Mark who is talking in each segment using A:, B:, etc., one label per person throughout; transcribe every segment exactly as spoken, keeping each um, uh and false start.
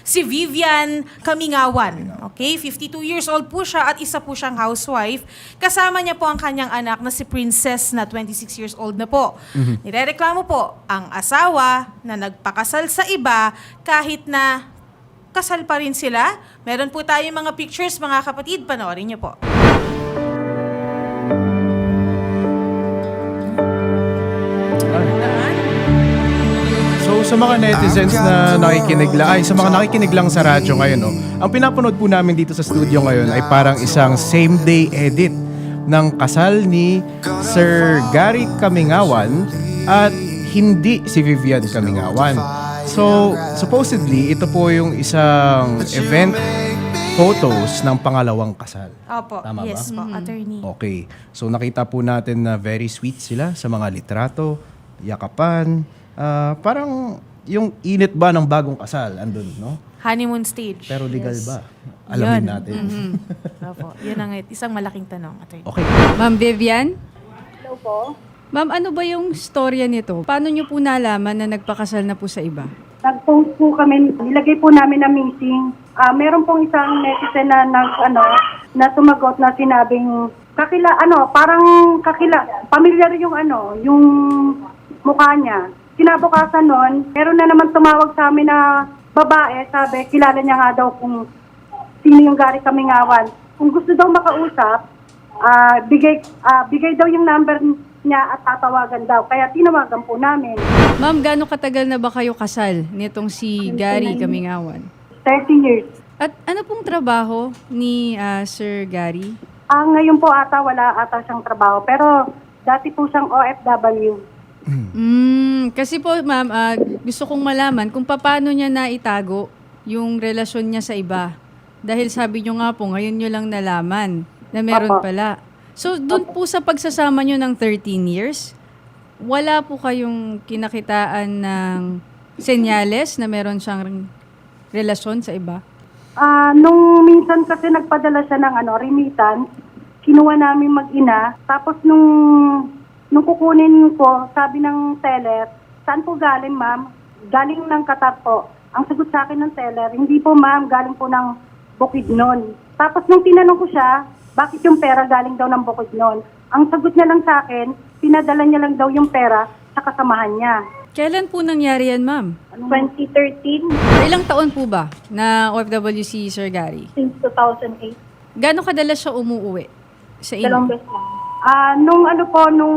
A: si Vivian Kamingawan. Okay, fifty-two years old po siya at isa po siyang housewife. Kasama niya po ang kanyang anak na si Princess na twenty-six years old na po. Mm-hmm. Nirereklamo po ang asawa na nagpakasal sa iba kahit na kasal pa rin sila. Meron po tayong mga pictures, mga kapatid. Panoorin niyo po.
B: So sa mga netizens na nakikinig lang, ay sa mga nakikinig lang sa radyo ngayon, no, ang pinapanood po namin dito sa studio ngayon ay parang isang same day edit ng kasal ni Sir Gary Kamingawan at hindi si Vivian Kamingawan. So supposedly ito po yung isang event photos ng pangalawang kasal.
A: Opo,
B: Tama
A: yes
B: ba?
A: po, attorney.
B: Okay. So nakita po natin na very sweet sila sa mga litrato, yakapan. Ah, parang yung init ba ng bagong kasal andun, no?
A: Honeymoon stage.
B: Pero legal
A: Yes.
B: ba? Alamin
A: Yun.
B: natin.
A: Mm-hmm. Opo, yun ang isang malaking tanong, attorney.
B: Okay.
C: Ma'am Vivian?
D: Hello po.
C: Ma'am, ano ba yung storya nito? Paano nyo po nalaman na nagpakasal na po sa iba?
D: Nag-post po kami, nilagay po namin na meeting. Ah, meron pong isang netizen na nag ano, na sumagot na sinabing kakila ano, parang kakila, familiar yung ano, yung mukha niya. Kinabukasan nun, meron na naman tumawag sa amin na babae, sabi, kilala niya nga daw kung sino yung Gary Kamingawan. Kung gusto daw makausap, ah, bigay ah, bigay daw yung number niya at tatawagan daw. Kaya tinawagan po namin.
C: Ma'am, gaano katagal na ba kayo kasal nitong si Gary Kamingawan?
D: thirty years.
C: At ano pong trabaho ni ah, Sir Gary?
D: Ah, ngayon po ata wala ata siyang trabaho, pero dati po siyang O F W.
C: Mm, kasi po ma'am, ah, gusto kong malaman kung paano niya naitago yung relasyon niya sa iba. Dahil sabi niyo nga po, ngayon niyo lang nalaman na meron
D: Opo.
C: pala. So, doon po sa pagsasama niyo ng thirteen years, wala po kayong kinakitaan ng senyales na meron siyang relasyon sa iba?
D: Ah, nung minsan kasi nagpadala siya ng ano, remittance, kinuha namin mag-ina, tapos nung nung kukunin ko, sabi ng teller, saan po galing ma'am? Galing ng Qatar po. Ang sagot sa akin ng teller, hindi po ma'am, galing po ng Bukidnon. Tapos nung tinanong ko siya, bakit yung pera galing daw ng Bukidnon? Ang sagot niya lang sa akin, pinadala niya lang daw yung pera sa kasamahan niya.
C: Kailan po nangyari yan, ma'am?
D: twenty thirteen
C: Ilang taon po ba na O F W si Sir Gary?
D: since two thousand eight.
C: Gano'ng kadalas siya umuuwi sa inyo?
D: Dalawang beses lang. Ah, nung ano po, nung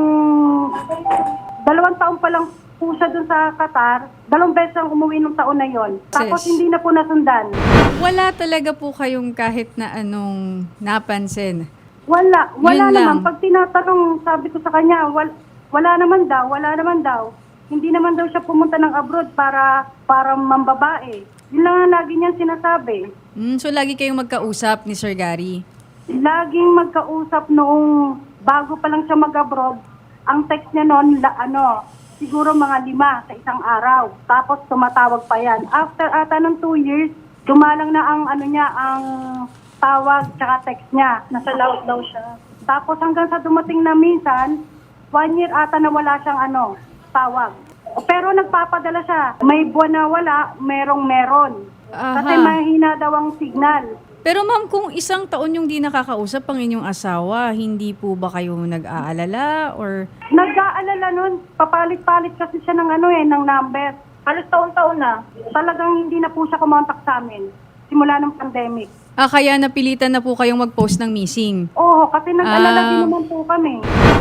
D: dalawang taon pa lang po siya dun sa Qatar, dalawang beses ang umuwi nung taon na yon. Tapos
C: Sis.
D: hindi na po nasundan.
C: Wala talaga po kayong kahit na anong napansin.
D: Wala, wala
C: Yun lang.
D: naman. Pag tinatanong, sabi ko sa kanya, wal, wala naman daw, wala naman daw. Hindi naman daw siya pumunta ng abroad para para mambabae. Yun lang ang lagi niyang sinasabi.
C: Mm, so lagi kayong magkausap ni Sir Gary.
D: Laging magkausap noong bago pa lang siya mag-abroad. Ang text niya noon, la, ano, siguro mga lima sa isang araw. Tapos tumatawag pa yan. After ata ng two years, dumalang na ang ano niya, ang tawag tsaka text niya. Nasa loud daw siya. Tapos hanggang sa dumating na minsan, one year ata na wala siyang ano, tawag. Pero nagpapadala siya. May buwan na wala, merong meron. Kasi
C: Aha.
D: mahina daw ang signal.
C: Pero ma'am, kung isang taon yung di nakakausap ang inyong asawa, hindi po ba kayo nag-aalala or...
D: Nag-aalala nun, papalit-palit kasi siya ng ano eh, ng number. Halos taon-taon na. Talagang hindi na po siya kumontak sa amin. Simula ng pandemic.
C: Ah, kaya napilitan na po kayong mag-post ng missing?
D: Oo, kasi nag-alala
C: Ah.
D: din naman po kami.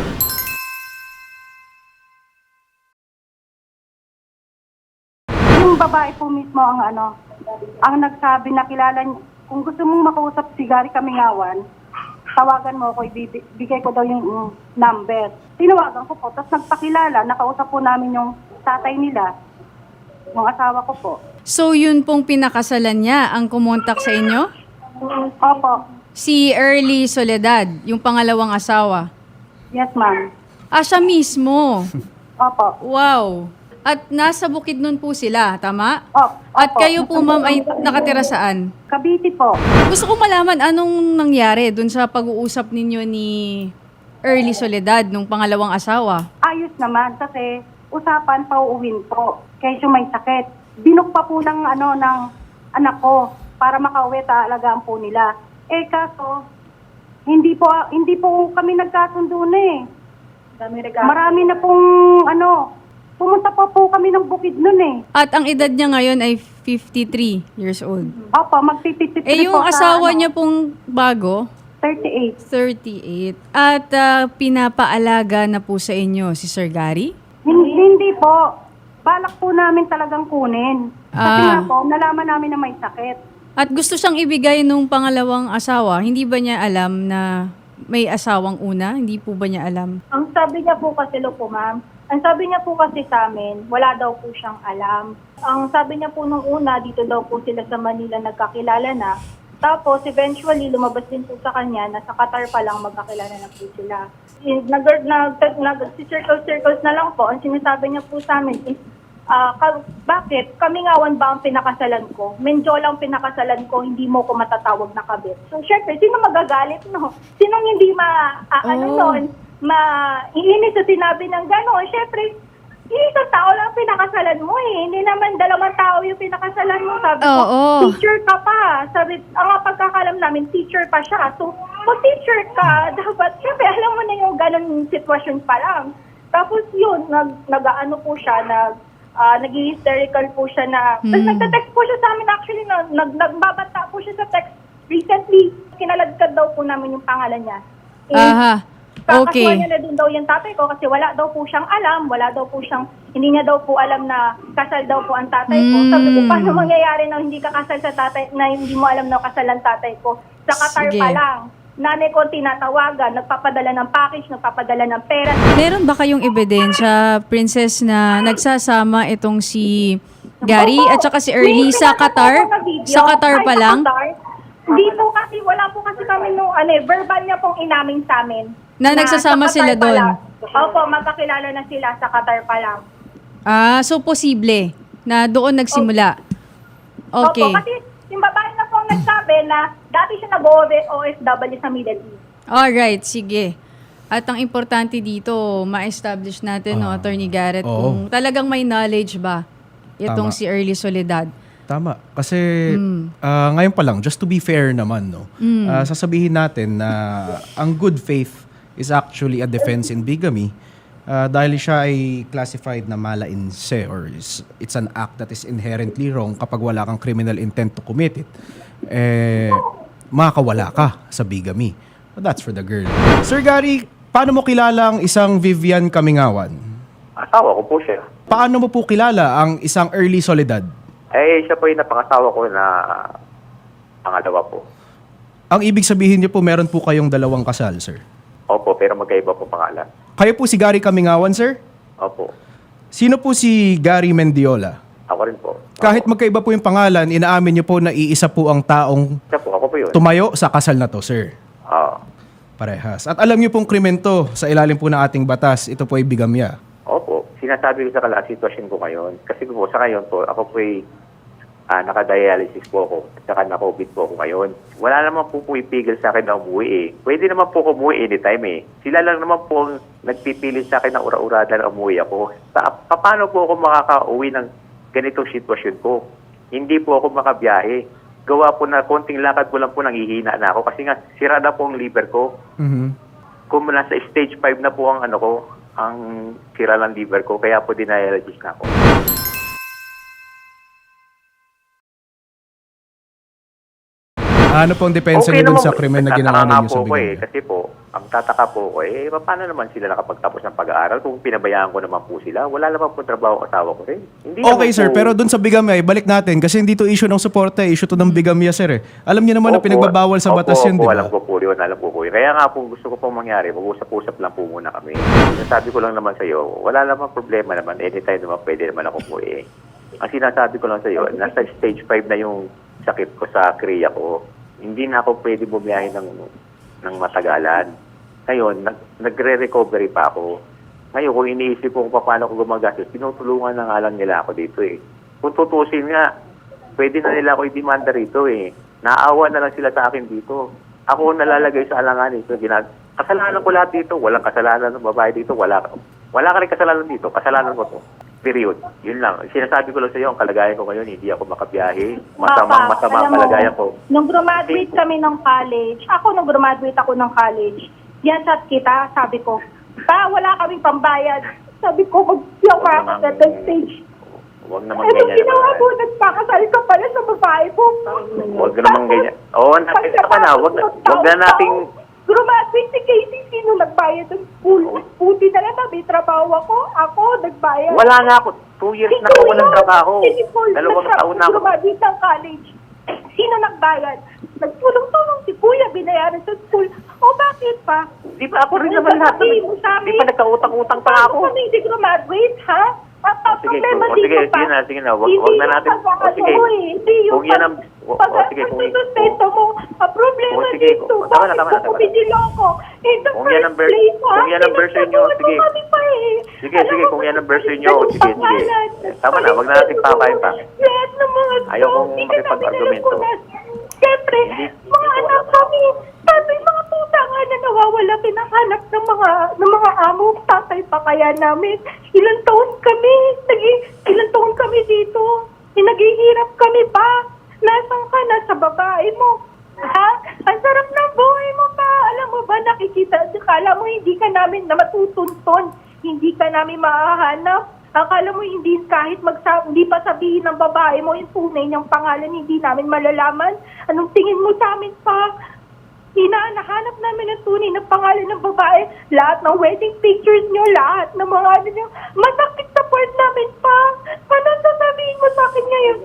D: Yung babae po mismo ang ano, ang nagsabi na kilala niya, kung gusto mong makausap si Gary Kamingawan, tawagan mo ako, ibibigay ko daw yung mm, number. Tinawagan ko po, tapos nagpakilala, nakausap po namin yung tatay nila, yung asawa ko po.
C: So yun pong pinakasalan niya ang kumontak sa inyo?
D: Opo,
C: Si Early Soledad, yung pangalawang asawa.
D: yes ma'am.
C: Ah, siya mismo.
D: Opo.
C: Wow. At nasa Bukidnon po sila, tama?
D: Opo.
C: At kayo po ma'am ay nakatira saan?
D: Cavite po.
C: Gusto ko malaman anong nangyari dun sa pag-uusap ninyo ni Early Soledad nung pangalawang asawa.
D: Ayos naman kasi usapan pauuwin po. Kaya may sakit. Binok pa po ng ano ng anak ko para makauwi talagaan po nila. Eh kaso, hindi po hindi po kami nagkasundo na eh. Marami na pong ano, pumunta pa po kami ng bukid nun eh.
C: At ang edad niya ngayon ay fifty-three years old.
D: Opo, magpipitipit
C: Eh yung
D: po sa,
C: asawa
D: ano,
C: niya pong bago,
D: thirty-eight.
C: thirty-eight. At ah, pinapaalaga na po sa inyo si Sir Gary?
D: Hindi, hindi po. Balak po namin talagang kunin. Kasi
C: Ah.
D: nga po, nalaman namin na may sakit.
C: At gusto siyang ibigay nung pangalawang asawa. Hindi ba niya alam na may asawang una? Hindi po ba niya alam?
E: Ang sabi niya po kasi, lo po ma'am, ang sabi niya po kasi sa amin, wala daw po siyang alam. Ang sabi niya po nung una, dito daw po sila sa Manila nagkakilala na. Tapos eventually, lumabas din po sa kanya na sa Qatar pa lang magkakilala na po sila. Nag, nag, nag, si circles-circles na lang po, ang sinasabi niya po sa amin is, ah, ka, bakit? Kamingawan ba ang pinakasalan ko? Menjo lang pinakasalan ko, hindi mo ko matatawag na kabit. So, syempre, sino magagalit, no? Sinong hindi ma, ah, ano
C: Oh.
E: nun, maiinis sa sinabi ng gano'n? Syempre, isang tao lang pinakasalan mo eh. Hindi naman dalawang tao yung pinakasalan mo. Sabi ko,
C: Oo.
E: teacher ka pa. Sabi, ang nga pagkakalam namin, teacher pa siya. So, kung teacher ka, dapat, syempre, alam mo na yung ganun sitwasyon pa lang. Tapos yun, nag, nag-ano po siya, nag, uh, nag-hysterical po siya na,
C: Hmm.
E: tapos nagta-text po siya sa amin actually, na, nag, nagbabanta po siya sa text. Recently, kinaladkad daw po namin yung pangalan niya. Eh,
C: Aha. Okay.
E: Kakasuhan niya na din daw yung tatay ko kasi wala daw po siyang alam, wala daw po siyang, hindi niya daw po alam na kasal daw po ang tatay ko.
C: Mm.
E: Sabi ko, paano mangyayari na hindi ka kasal sa tatay, na hindi mo alam na kasal ang tatay ko? Sa Qatar
C: Sige.
E: pa lang. Nanay ko tinatawagan, nagpapadala ng package, nagpapadala ng pera.
C: Meron ba kayong ebidensya, Princess, na nagsasama itong si Gary at saka si Early
E: May
C: sa
E: pinapanood
C: Qatar?
E: ako na video.
C: Sa Qatar
E: Ay,
C: pa
E: sa
C: lang?
E: Qatar? Hindi po kasi, wala po kasi kami nung, ano eh, verbal niya pong inamin sa amin.
C: Na nagsasama
E: sa Qatar
C: sila
E: pa
C: doon?
E: lang. Opo, magkakilala na sila sa Qatar pa lang.
C: Ah, so posible na doon nagsimula. Okay.
E: Opo, kasi yung babae na po ang nagsabi na dati siya nag-O F W sa Middle East.
C: Alright, sige. At ang importante dito, ma-establish natin, no,
B: Ah,
C: Attorney Garrett,
B: oo.
C: kung talagang may knowledge ba itong
B: Tama.
C: si Early Soledad.
B: Tama. Kasi
C: Mm.
B: ah, ngayon pa lang, just to be fair naman, no,
C: Mm.
B: ah, sasabihin natin na ang good faith is actually a defense in bigamy ah, dahil siya ay classified na mala in se or is, it's an act that is inherently wrong kapag wala kang criminal intent to commit it. Eh, makakawala ka sa bigamy. But that's for the girl. Sir Gary, paano mo kilala ang isang Vivian Kamingawan?
F: Asawa ko po siya.
B: Paano mo po kilala ang isang Early Soledad?
F: Eh, siya po yung napangasawa ko na pangalawa po.
B: Ang ibig sabihin niyo po, meron po kayong dalawang kasal, sir.
F: Opo, pero magkaiba po pangalan.
B: Kayo po si Gary Kamingawan, sir?
F: Opo.
B: Sino po si Gary Mendiola?
F: Ako rin po.
B: Kahit
F: Opo.
B: magkaiba po yung pangalan, inaamin niyo po na iisa po ang taong
F: Siya po, ako po yun.
B: tumayo sa kasal na to, sir.
F: Oo.
B: Parehas. At alam niyo pong krimen to sa ilalim po ng ating batas. Ito po ay bigamya.
F: Opo. Sinasabi ko sa kala, sitwasyon ko ngayon. Kasi po, sa ngayon po, ako po ay ah, nakadialysis po ako. At saka na-COVID po ako ngayon. Wala naman po po ipigil sa akin na umuwi eh. Pwede naman po ako umuwi anytime eh. Sila lang naman po ang nagpipilit sa akin na ura-urada na umuwi ako. Pa- paano po ako makaka-uwi ng ganitong sitwasyon ko? Hindi po ako makabiyahe. Gawa po na konting lakad ko lang po nanghihina na ako kasi nga sira na po ang liver ko.
B: Mhm.
F: Kung nasa stage five na po ang ano ko, ang sira ng liver ko, kaya po dinialysis na ako.
B: Ano pong depensa niyo dun sa krimen na ginawa
F: Nagtataka nga
B: ninyo sa
F: po ko eh,
B: bigamya?
F: kasi po, ang tataka po ko eh, paano naman sila nakapagtapos ng pag-aaral kung pinabayaan ko naman po sila? Wala naman po trabaho ang asawa ko rin. Hindi
B: Okay,
F: naman
B: sir.
F: po-
B: Pero dun sa bigamya, balik natin. Kasi hindi to issue ng suporta, eh, issue to ng bigamya, sir. Eh. Alam niyo naman na
F: Opo,
B: pinagbabawal sa batas
F: opo,
B: yun,
F: opo,
B: di ba?
F: alam ko po yun, alam ko po yun. Kaya nga po gusto ko pong mangyari, mag-usap-usap lang po muna kami. Sinasabi ko lang naman sa iyo, wala naman problema naman, anytime naman pwede naman ako po eh. Ang sinasabi ko lang sa iyo, nasa stage five na yung sakit ko sa kriya ko. Hindi na ako pwede bumiyahe ng, ng matagalan. Ngayon, nag, nagre-recovery pa ako. Ngayon, kung iniisip ko kung paano ko gumagastos, tinutulungan na nga lang nila ako dito eh. Kung tutusin nga, pwede na nila ako i-demanda rito eh. Naawa na lang sila sa akin dito. Ako ang nalalagay sa alangan eh. So, ginag- kasalanan ko lahat dito. Walang kasalanan ng babae dito. Wala, wala ka rin kasalanan dito. Kasalanan ko to. Period. Yun lang. Sinasabi ko lang sa iyo, ang kalagayan ko ngayon, hindi ako makabiyahe. Masamang
E: Papa,
F: masama
E: alam
F: ang
E: mo,
F: kalagayan ko.
E: Nung graduate kami ng college, ako nung graduate ako ng college, yan chat kita, sabi ko, pa, wala kaming pambayad. Sabi ko, mag-yoka ako
F: Huwag
E: sa
F: namang-
E: that stage.
F: Huwag naman
E: Eh, nung
F: ganyan
E: ginawa
F: naman.
E: mo, nagpakasal ka pala sa babae mo.
F: Huwag naman ganyan. Oo, natin naman na. Huwag na, huwag na nating...
E: Graduate si Casey, sino nagbayad ng school? Buti na lang na may trabaho ako. Ako, nagbayad.
F: Wala nga ako. Two years na ako walang trabaho. Dalawang taon na ako.
E: Graduate ng college. Sino nagbayad? Nagtulong-tulong si Kuya, binayaran sa school. O bakit pa?
F: Di ba ako rin naman lahat?
E: Sabihin mo sa amin.
F: Di ba nagkautang-utang pa ako?
E: Kami hindi graduate, ha? At ang
F: Sige,
E: problema
F: o
E: dito
F: sige,
E: pa,
F: sige na, sige na. Wag-
E: hindi
F: wag na
E: yung
F: natin-
E: pag-ano
F: o sige.
E: mo eh, hindi yung
F: Kung yan ang- o- o
E: pag-
F: sige, kung-
E: pag-sustento mo. Ang problema
F: O sige,
E: dito,
F: o, tama na,
E: bakit
F: tama na,
E: ko
F: tama na.
E: kumidiloko? In the
F: Kung yan ang
E: first
F: ver-
E: place, ha?
F: kung yan ang version nyo,
E: Pinagsasabuhan
F: sige.
E: mo kami pa eh.
F: Sige,
E: Alam
F: sige,
E: mo
F: kung
E: ba,
F: yan ang version nyo,
E: ganun
F: sige, sige.
E: pangalan.
F: Tama na, wag na natin pakain pa.
E: Lahat ng mga
F: Ayaw kong
E: hindi ka namin
F: makipag-argumento.
E: alam kung nas- Siyempre,
F: Hindi-
E: mga
F: hindi ko
E: anak
F: alam.
E: kami, sabi mga puta nga na nawawala, pinahanap ng mga ng mga amo, tatay pa kaya namin. Ilang taon kami, nagi, ilang taon kami dito. Eh, naghihirap kami pa. Nasaan ka na sa babae mo? Ha? Ang sarap ng buhay mo pa. Alam mo ba, nakikita, akala mo hindi ka namin na matutunton. Hindi ka namin mahahanap. Akala mo hindi kahit magsa hindi pa sabihin ng babae mo yung tunay niyang pangalan, hindi namin malalaman. Anong tingin mo sa amin pa? Hinahanap namin ang tunay na pangalan ng babae. Lahat ng wedding pictures niyo, lahat ng mga ano niyo. Masakit sa part namin pa. Ano ang sasabihin mo sa akin ngayon?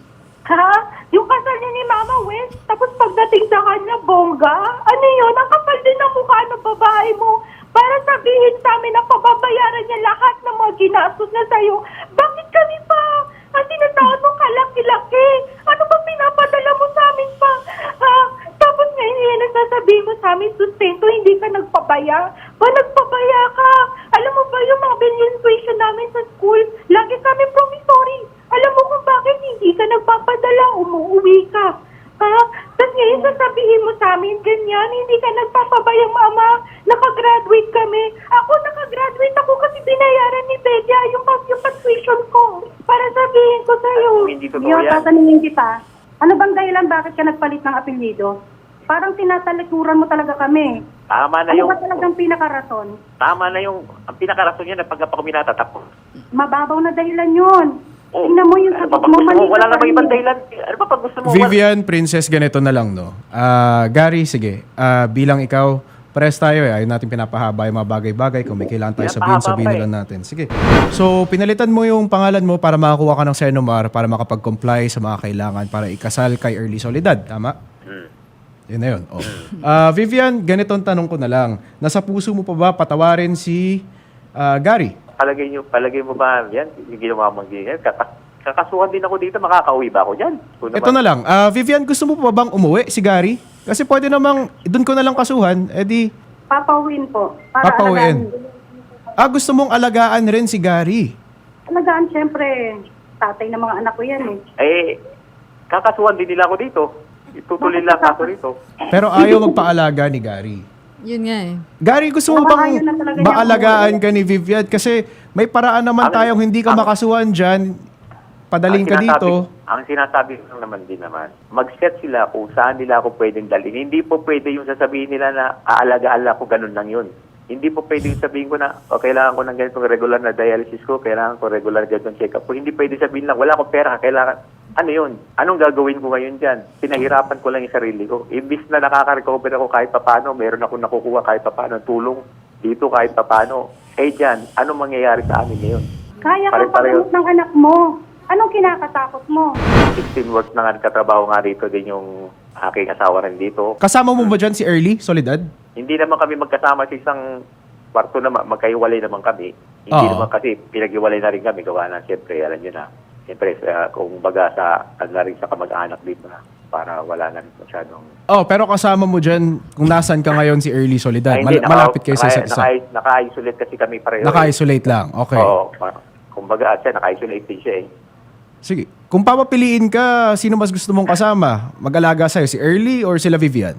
E: Ha? Yung kasal niya ni Mama West, tapos pagdating sa kanya, bongga? Ano yun? Ang kapal din ng mukha ng babae mo. Para sabihin sa amin na pababayaran niya lahat ng mga ginastos na sa'yo. Bakit kami pa? Ang tinatawag mo kalaki-laki. Ano ba pinapadala mo sa amin pa? Ha? Tapos ngayon yan ang sasabihin mo sa amin, sustento, hindi ka nagpabaya. Ba, nagpabaya ka? Alam mo ba yung mga billion tuition namin sa school? Lagi kami promissory. Alam mo kung bakit hindi ka nagpapadala, umuwi ka. Ha? Tapos ngayon sasabihin mo sa amin, ganyan, hindi ka nagpapabayang mama, nakagraduate kami. Ako, nakagraduate ako kasi binayaran ni Bedia yung, yung tuition ko. Para sabihin ko sa'yo.
F: Hindi totoo
D: Yo,
F: yan.
D: tatanungin kita, ano bang dahilan bakit ka nagpalit ng apelyido? Parang tinatalikuran mo talaga kami.
F: Tama na
D: Ano
F: yung...
D: ba talagang pinakarason?
F: Tama na yung... Ang pinakarason niya na pagka pa kami natatapos.
D: Mababaw na dahilan yun.
F: Oh,
D: Tingnan mo yung
F: ano
D: sagot
F: pa
D: mo,
F: pag gusto
D: mali
F: mo? Wala
D: ka pa
F: namang
D: rin
F: ibang
D: eh.
F: dahilan. Ano pa pag gusto mo?
B: Vivian, Princess, ganito na lang, no? Ah, Gary, sige. Ah, bilang ikaw, pares tayo eh. Ayaw natin pinapahaba yung mga bagay-bagay. Kung may kailangan tayo sabihin,
F: Pinapahaba
B: sabihin
F: pa
B: na
F: eh.
B: lang natin. Sige. So, pinalitan mo yung pangalan mo para makakuha ka ng Senomar para makapag-comply sa mga kailangan para ikasal kay Early Soledad. Tama?
F: Hmm.
B: Yun na yun. Oh. Ah, Vivian, ganitong tanong ko na lang. Nasa puso mo pa ba patawarin si ah, Gary?
F: Palagay nyo, palagay mo ba yan? Yung ginawa mong ganyan? Kaka- kakasuhan din ako dito, makakauwi ba ako dyan? Kung
B: Ito
F: naman-
B: na lang. Ah, Vivian, gusto mo pa bang umuwi si Gary? Kasi pwede namang, doon ko na lang kasuhan, edi
D: Papawin po. Para
B: papauwiin.
D: alagaan.
B: Ah, gusto mong alagaan rin si Gary.
D: Alagaan, syempre, tatay ng mga anak ko yan eh.
F: Eh, kakasuhan din nila ako dito. Itutuloy lang ako rito.
B: Pero ayaw magpaalaga ni Gary.
C: Yun nga eh.
B: Gary, gusto mo
D: Baka
B: bang
D: ayaw na talaga niya
B: maalagaan ka ni Vivian? Kasi may paraan naman
F: Ang-
B: tayong hindi ka
F: ang-
B: makasuhan dyan. Padaling ka
F: Ang
B: dito.
F: sinasabi- Ang sinasabi ko lang naman din naman, mag-set sila kung saan nila ako pwedeng dalhin. Hindi po pwede yung sasabihin nila na aalagaan ako, ganun lang yun. Hindi po pwede yung sabihin ko na, o kailangan ko ng ganitong regular na dialysis ko, kailangan ko regular ganitong check-up ko. Hindi pwede sabihin lang, wala akong pera, kailangan, ano yun? Anong gagawin ko ngayon dyan? Pinahirapan ko lang yung sarili ko. Imbis na nakaka-recover ako kahit papano, meron ako nakukuha kahit papano, tulong dito kahit papano. Eh dyan, anong mangyayari sa amin ngayon?
D: Kaya kang
F: Pare-pareho.
D: pagamot ng anak mo. Anong kinakatakot mo?
F: sixteen works na nga katrabaho nga rito din yung aking asawa rin dito.
B: Kasama mo ba dyan si Early Soledad?
F: Hindi naman kami magkasama sa isang kwarto na magkaiwalay naman kami. Hindi
B: Oo.
F: naman kasi pinag-iwalay na rin kami. Gawa na, siyempre, alam nyo na. Siyempre, sa, kung baga sa, ano na rin sa kamag-anak dito na para wala na rin masyadong...
B: Oh, pero kasama mo dyan kung nasan ka ngayon si Early Soledad.
F: Ay,
B: Mal-
F: hindi,
B: malapit kayo sa
F: naka-
B: isa't isa.
F: naka- Naka-isolate kasi kami pareho.
B: Naka-isolate lang. Okay.
F: Oo. pa- Kung baga, siya, naka-isolate din siya eh.
B: Sige. Kung papapiliin ka, sino mas gusto mong kasama? Mag-alaga sa'yo, si Early or sila Vivian?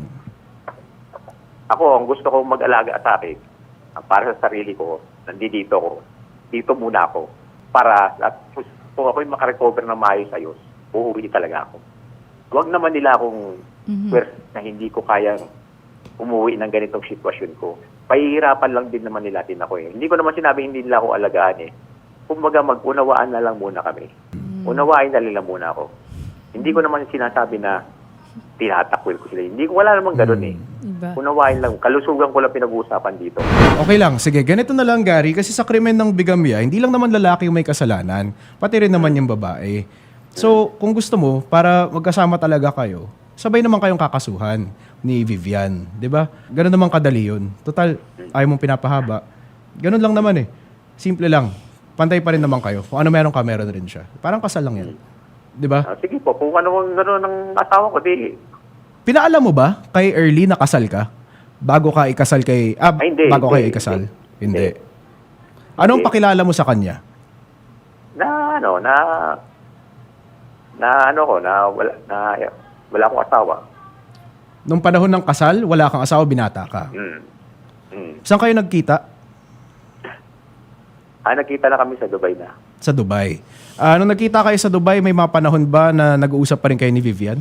F: Ako, ang gusto kong mag-alaga sa akin, ang para sa sarili ko, nandito ko, dito muna ako. para at kung ako'y makarecover ng maayos ayos, uuwi talaga ako. Huwag naman nila akong pwers na hindi ko kayang umuwi ng ganitong sitwasyon ko. Pahihirapan lang din naman nila din ako eh. Hindi ko naman sinabi hindi nila ako alagaan eh. Kumbaga mag-unawaan na lang muna kami. Unawain na nila muna ako. Hindi ko naman sinasabi na tinatakwil ko sila. Hindi ko, wala namang ganun eh.
C: Iba.
F: Unawain lang. Kalusugan ko lang pinag-uusapan dito.
B: Okay lang, sige, ganito na lang Gary, kasi sa krimen ng bigamya, hindi lang naman lalaki yung may kasalanan, pati rin naman yung babae. So, kung gusto mo, para magkasama talaga kayo, sabay naman kayong kakasuhan ni Vivian, di ba? Ganun naman kadali yun. Total, ayaw mong pinapahaba. Ganun lang naman eh. Simple lang. Pantay pa rin naman kayo. Kung ano meron ka, meron rin siya. Parang kasal lang yan. Di ba?
F: Ah, sige po, kung ano ang gano'n ng asawa ko, di.
B: Pinaalam mo ba kay Early na kasal ka? Bago ka ikasal kay... Ah,
F: Ay, hindi,
B: bago
F: hindi,
B: kayo ikasal?
F: hindi.
B: Hindi. Anong
F: Hindi.
B: pakilala mo sa kanya?
F: Na ano, na... Na ano ko, na wala, na, wala akong asawa.
B: Nung panahon ng kasal, wala kang asawa, binata ka.
F: Mm. Mm.
B: Saan kayo nagkita?
F: Ah, nakita na kami sa Dubai na.
B: Sa Dubai. Ah, nung nagkita kayo sa Dubai, may mga panahon ba na nag-uusap pa rin kayo ni Vivian?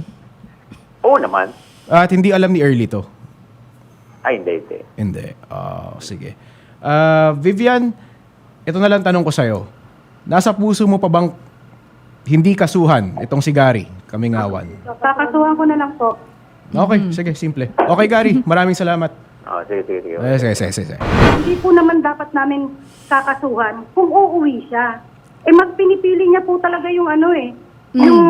F: Oo naman.
B: At hindi alam ni Early to?
F: Ay, hindi, hindi.
B: Hindi. Ah, sige. Ah, Vivian, ito na lang tanong ko sa'yo. Nasa puso mo pa bang hindi kasuhan itong si Gary, Kamingawan?
D: Kakasuhan ko na lang po.
B: Okay, sige, simple. Okay, Gary, maraming salamat.
F: Oh, sige, sige, sige.
B: Eh, sige, sige, sige, sige.
D: Hindi po naman dapat namin kakasuhan kung uuwi siya. Eh, mas pinipili niya po talaga yung ano eh, yung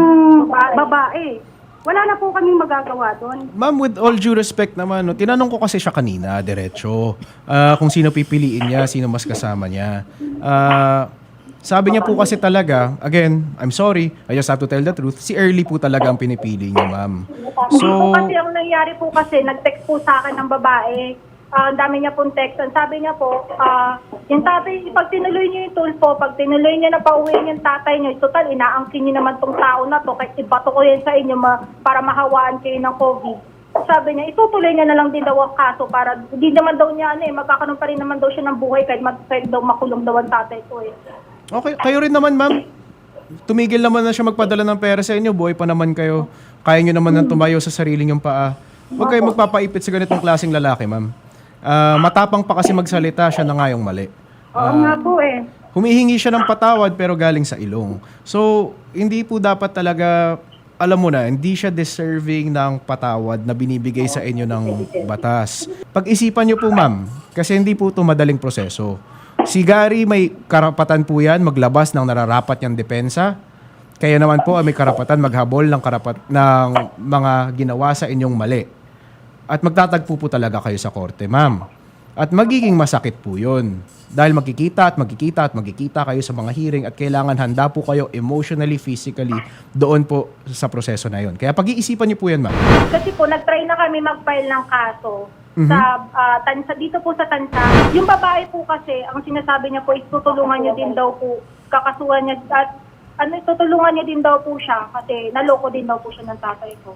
D: babae. Wala na po kaming magagawa doon.
B: Ma'am, with all due respect naman, no, tinanong ko kasi siya kanina, diretso, ah, kung sino pipiliin niya, sino mas kasama niya. Ah, sabi niya po kasi talaga, again, I'm sorry, I just have to tell the truth, si Early po talaga ang pinipili niya, ma'am.
E: So,
B: So,
E: po kasi ang nangyari po kasi, nag-text po sa akin ng babae. Ah, ang dami niya pong text. Ang sabi niya po, ah, yung tatay, pag tinuloy niyo yung tulpo, pag tinuloy niya na pauwiin yung tatay niyo, total, inaangkin niyo naman tong tao na to, kahit ibato ko yan sa inyo ma, para mahawaan kayo ng COVID. Sabi niya, itutuloy niya na lang din daw ang kaso para, hindi naman daw niya, ano eh, magkakaroon pa rin naman daw siya ng buhay kahit mag kahit daw makulong daw ang tatay ko eh.
B: okay, kayo rin naman, ma'am. Tumigil naman na siya magpadala ng pera sa inyo, buhay pa naman kayo. Kaya nyo naman nang tumayo sa sarili nyong paa. Huwag kayo magpapaipit sa ganitong klaseng lalaki, ma'am. Ah, matapang pa kasi magsalita, siya na nga yung mali.
D: Oo nga po eh.
B: Humihingi siya ng patawad pero galing sa ilong. So, hindi po dapat talaga, alam mo na, hindi siya deserving ng patawad na binibigay sa inyo ng batas. Pag-isipan niyo po, ma'am, kasi hindi po ito madaling proseso. Si Gary may karapatan po yan maglabas ng nararapat niyang depensa. Kaya naman po ay may karapatan maghabol ng, karapat, ng mga ginawa sa inyong mali. At magtatagpo po talaga kayo sa korte, ma'am. At magiging masakit po yun. Dahil magkikita at magkikita at magkikita kayo sa mga hearing at kailangan handa po kayo emotionally, physically doon po sa proseso na yun. Kaya pag-iisipan niyo po yan, ma'am.
E: Kasi po, nag-try na kami mag-file ng kaso sa ah, tansa, dito po sa tansa. Yung babae po kasi, ang sinasabi niya po is tutulungan niya din daw po, kakasuhan niya, at ano, tutulungan niya din daw po siya kasi naloko din daw po siya ng tatay ko.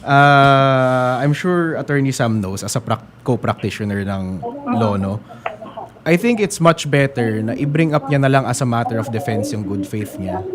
B: Uh, I'm sure Attorney Sam knows as a prac- co-practitioner ng law, no? I think it's much better na i-bring up niya na lang as a matter of defense yung good faith niya.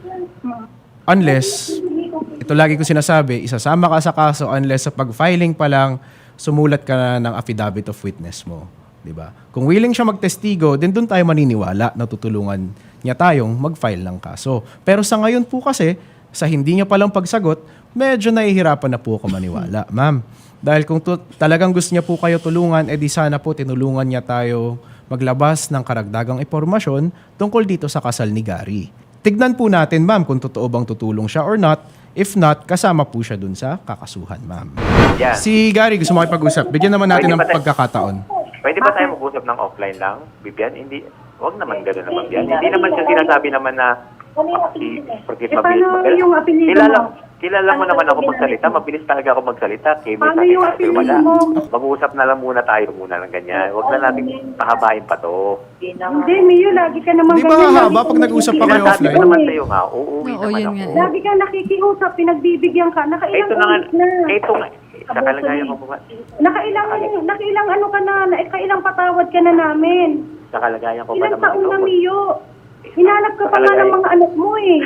B: Unless, ito lagi ko sinasabi, isasama ka sa kaso unless sa pag-filing pa lang, sumulat ka na ng affidavit of witness mo. Diba? Kung willing siya magtestigo, din doon tayo maniniwala na tutulungan niya tayong mag-file ng kaso. Pero sa ngayon po kasi, sa hindi niya palang pagsagot, medyo nahihirapan na po ako maniwala, ma'am. Dahil kung tu- talagang gusto niya po kayo tulungan, edi sana po tinulungan niya tayo maglabas ng karagdagang impormasyon tungkol dito sa kasal ni Gary. Tignan po natin, ma'am, kung totoo bang tutulong siya or not. If not, kasama po siya dun sa kakasuhan, ma'am.
F: Yan.
B: Si Gary, gusto makipag-usap. Bigyan naman natin
F: Pwede
B: ng
F: ba tayo-
B: pagkakataon.
F: Pwede ba tayo mag-usap ng offline lang, Bibian? Hindi, wag naman gano'n naman, Bibian. Hindi naman siya sinasabi naman na si Porkit
D: Eh,
F: mabilis
D: paano
F: magsalita.
D: yung apelido
F: Kilala,
D: mo?
F: kilala mo naman ako magsalita. Mabilis talaga ako magsalita. Kaya
D: Paano yung apelido mo?
F: Mag-uusap na lang muna tayo muna ng ganyan. Huwag na natin pahabain pa to.
D: Hindi, Mio, lagi ka naman
B: Di ba
D: ganyan.
B: hahaba
D: Lagi
B: pag
D: ka
B: nag-usap pa kayo
F: Sinasabi
B: offline?
F: ko naman sa'yo nga, uuwi
C: Oo,
F: naman
C: yun
F: ako.
C: nga.
D: Lagi ka nakikiusap, pinagbibigyan ka. Nakailang
F: Ito na nga,
D: ulit na.
F: ito nga. Sa kalagayan ko po nga.
D: Nakailang, nakailang ano ka na, nakailang patawad ka na namin.
F: Sa kalagayan ko pa
D: Ilang
F: naman
D: taon na,
F: ito.
D: Mio? Hinanap ka pa nga ng mga anak mo eh.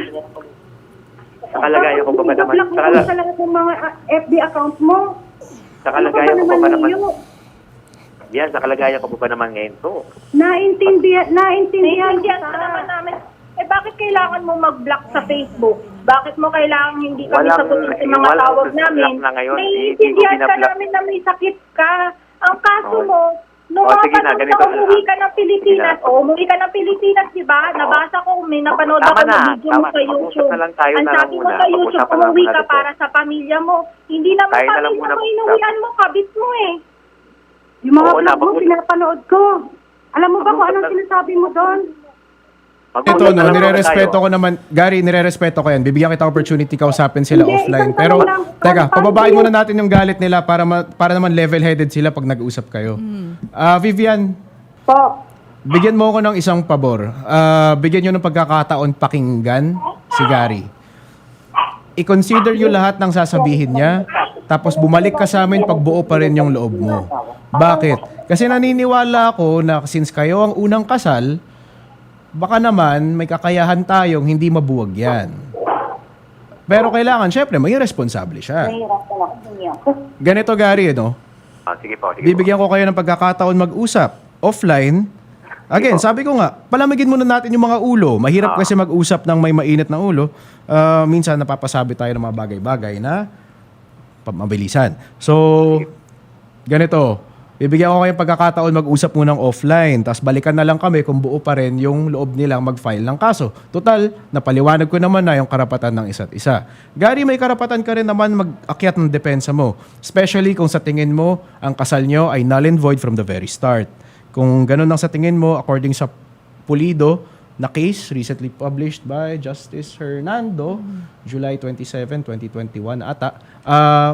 F: Sa kalagayan ko pa ba naman?
D: Tapos,
F: Sa,
D: mo
F: kala-
D: sa lahat ng mga ah, F B account mo.
F: sa kalagayan ko pa ba naman?
D: Leo?
F: Yan, sa kalagayan ko pa ba naman ngayon to?
D: Naintindihan, naintindihan
E: Naiintindihan ka naman namin. Eh bakit kailangan mo mag-block sa Facebook? Bakit mo kailangan hindi kami
F: Walang-
E: sagutin sa mga
F: walang
E: tawag namin?
F: block na ngayon.
E: Naiintindihan
F: Hindi ko
E: ka
F: binablock.
E: namin na may sakit ka. Ang kaso
F: Oh.
E: mo, nung
F: Oh,
E: mga
F: sige na,
E: panahon
F: ganito
E: na
F: na.
E: umuwi ka ng Pilipinas,
F: Sige na.
E: o umuwi ka ng Pilipinas, di ba? Nabasa ko, may napanood
F: Tama
E: ako
F: na,
E: ng video mo
F: tama.
E: sa
F: Mag-usap
E: YouTube.
F: na lang tayo
E: Ang
F: na lang
E: sabi mo
F: muna.
E: sa YouTube,
F: Pag-usapan na lang
E: umuwi
F: muna
E: ka
F: dito.
E: para sa pamilya mo. Hindi naman
F: Tayo na lang
E: pamilya
F: muna
E: mo,
F: mag-usap.
E: inuwian mo, kabit mo eh.
D: Yung mga
F: Oo,
D: vlog mo,
F: napag-
D: pinapanood ko. Alam mo ba kung
F: Mag-usap
D: anong
F: na-
D: sinasabi mo doon?
B: Ito,
F: Mag-usap
B: no,
F: na lang muna
B: nire-respeto
F: tayo.
B: ko naman. Gary, nire-respeto ko yan. Bibigyan kita opportunity kausapin sila
D: Hindi,
B: offline.
D: isang
B: Pero,
D: tanong lang.
B: teka,
D: Paano
B: pababain
D: yun?
B: muna natin yung galit nila para ma- para naman level-headed sila pag nag-usap kayo. Ah, Vivian,
D: Po.
B: bigyan mo ako ng isang pabor. Ah, bigyan nyo ng pagkakataon pakinggan si Gary. I-consider nyo lahat ng sasabihin niya, tapos bumalik ka sa amin pag buo pa rin yung loob mo. Bakit? Kasi naniniwala ako na since kayo ang unang kasal, baka naman may kakayahan tayong hindi mabuwag yan. Pero kailangan, syempre, maging responsable siya. Ganito, Gary, no?
F: Ah, sige po, sige
B: Bibigyan ko kayo ng pagkakataon mag-usap. Offline. Again, sabi ko nga, palamigin muna natin yung mga ulo. Mahirap kasi mag-usap ng may mainit na ulo. Ah, minsan napapasabi tayo ng mga bagay-bagay na pa- mabilisan. So, ganito. Bibigyan ko kayo ng pagkakataon mag-usap munang offline. Tapos balikan na lang kami kung buo pa rin yung loob nilang mag-file ng kaso. Total, napaliwanag ko naman na yung karapatan ng isa't isa. Gary, may karapatan ka rin naman mag-akyat ng depensa mo. Especially kung sa tingin mo, ang kasal nyo ay null and void from the very start. Kung ganun ang sa tingin mo, according sa Pulido na case recently published by Justice Hernando, July twenty-seventh, twenty twenty-one ata, ah,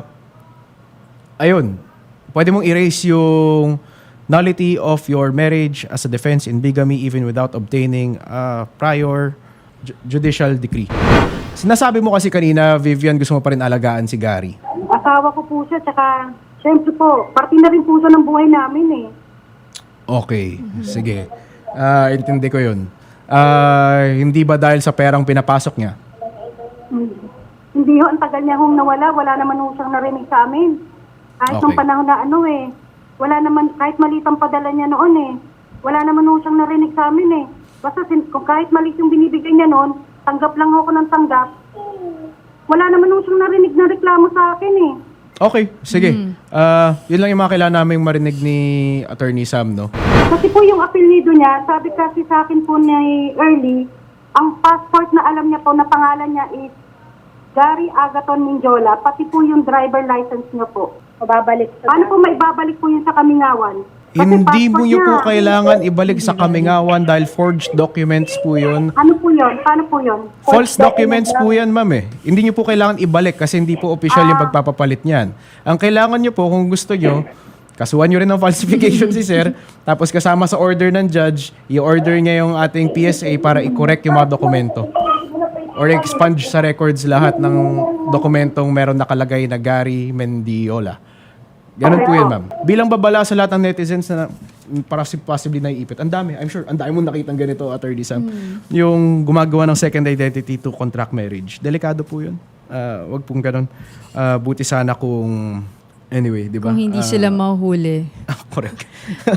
B: ayun, pwede mong erase yung nullity of your marriage as a defense in bigamy even without obtaining a prior ju- judicial decree. Sinasabi mo kasi kanina, Vivian, gusto mo pa rin alagaan si Gary.
D: Asawa ko po siya, tsaka, syempre po, parte na rin po siya ng buhay namin eh.
B: Okay, sige. Ah, intindi ko yun. Ah, hindi ba dahil sa perang pinapasok niya?
D: Hmm. Hindi ho, ang tagal niya hong nawala, wala naman ho siyang narinig sa amin. Kahit
B: Okay.
D: nung panahon na ano eh, wala naman, kahit maliit ang padala niya noon eh, wala naman ho siyang narinig sa amin eh. Basta sin, kung kahit maliit yung binibigay niya noon, tanggap lang ho ako ng tanggap. Wala naman ho siyang narinig na reklamo sa akin eh.
B: Okay, sige. Ah, yun lang yung mga kailangan naming marinig ni Attorney Sam, no?
D: Kasi po yung apelyido niya, sabi kasi sa akin po ni Early, ang passport na alam niya po na pangalan niya is Gary Agaton Minjola, pati po yung driver license niya po. Mababalik. Paano po maibabalik po yun sa Kamingawan? Kasi
B: Hindi mo
D: passport
B: nyo po
D: niya.
B: kailangan ibalik sa Kamingawan dahil forged documents po yun.
D: Ano po yun? Paano po yun?
B: False documents po yan, ma'am eh. Hindi nyo po kailangan ibalik kasi hindi po official yung pagpapapalit niyan. Ang kailangan nyo po, kung gusto nyo, kasuhan nyo rin ng falsification si sir, tapos kasama sa order ng judge, i-order niya yung ating P S A para i-correct yung mga dokumento. Or expunge sa records lahat ng dokumentong meron nakalagay na Gary Mendiola. Ganun po yun, ma'am. Bilang babala sa lahat ng netizens na para si possibly naiipit. Ang dami. I'm sure, ang dami mo nakitang ganito, Attorney Sam. Yung gumagawa ng second identity to contract marriage. Delikado po yun. Ah, wag pong ganun. Ah, buti sana kung... Anyway, di ba?
C: Kung hindi
B: Ah,
C: sila mahuhuli.
B: correct.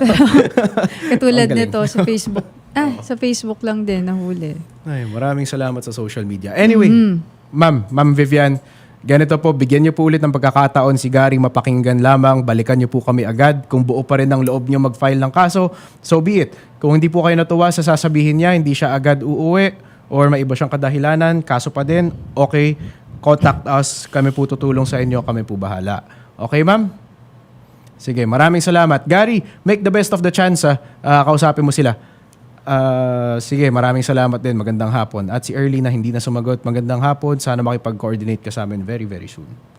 C: Katulad
B: Ang galing.
C: nito sa Facebook. Ah, sa Facebook lang din nahuli.
B: Ay, maraming salamat sa social media. Anyway, ma'am, ma'am Vivian, ganito po, bigyan niyo po ulit ng pagkakataon si Gary mapakinggan lamang. Balikan niyo po kami agad. Kung buo pa rin ang loob niyo mag-file ng kaso, so be it. Kung hindi po kayo natuwa sa sasabihin niya, hindi siya agad uuwi or may iba siyang kadahilanan, kaso pa din, okay, contact us. Kami po tutulong sa inyo. Kami po bahala. Okay, ma'am? Sige, maraming salamat. Gary, make the best of the chance. Ah. Ah, kausapin mo sila. Ah, sige, maraming salamat din. Magandang hapon. At si Early na hindi na sumagot, magandang hapon. Sana makipag-coordinate ka sa amin very, very soon.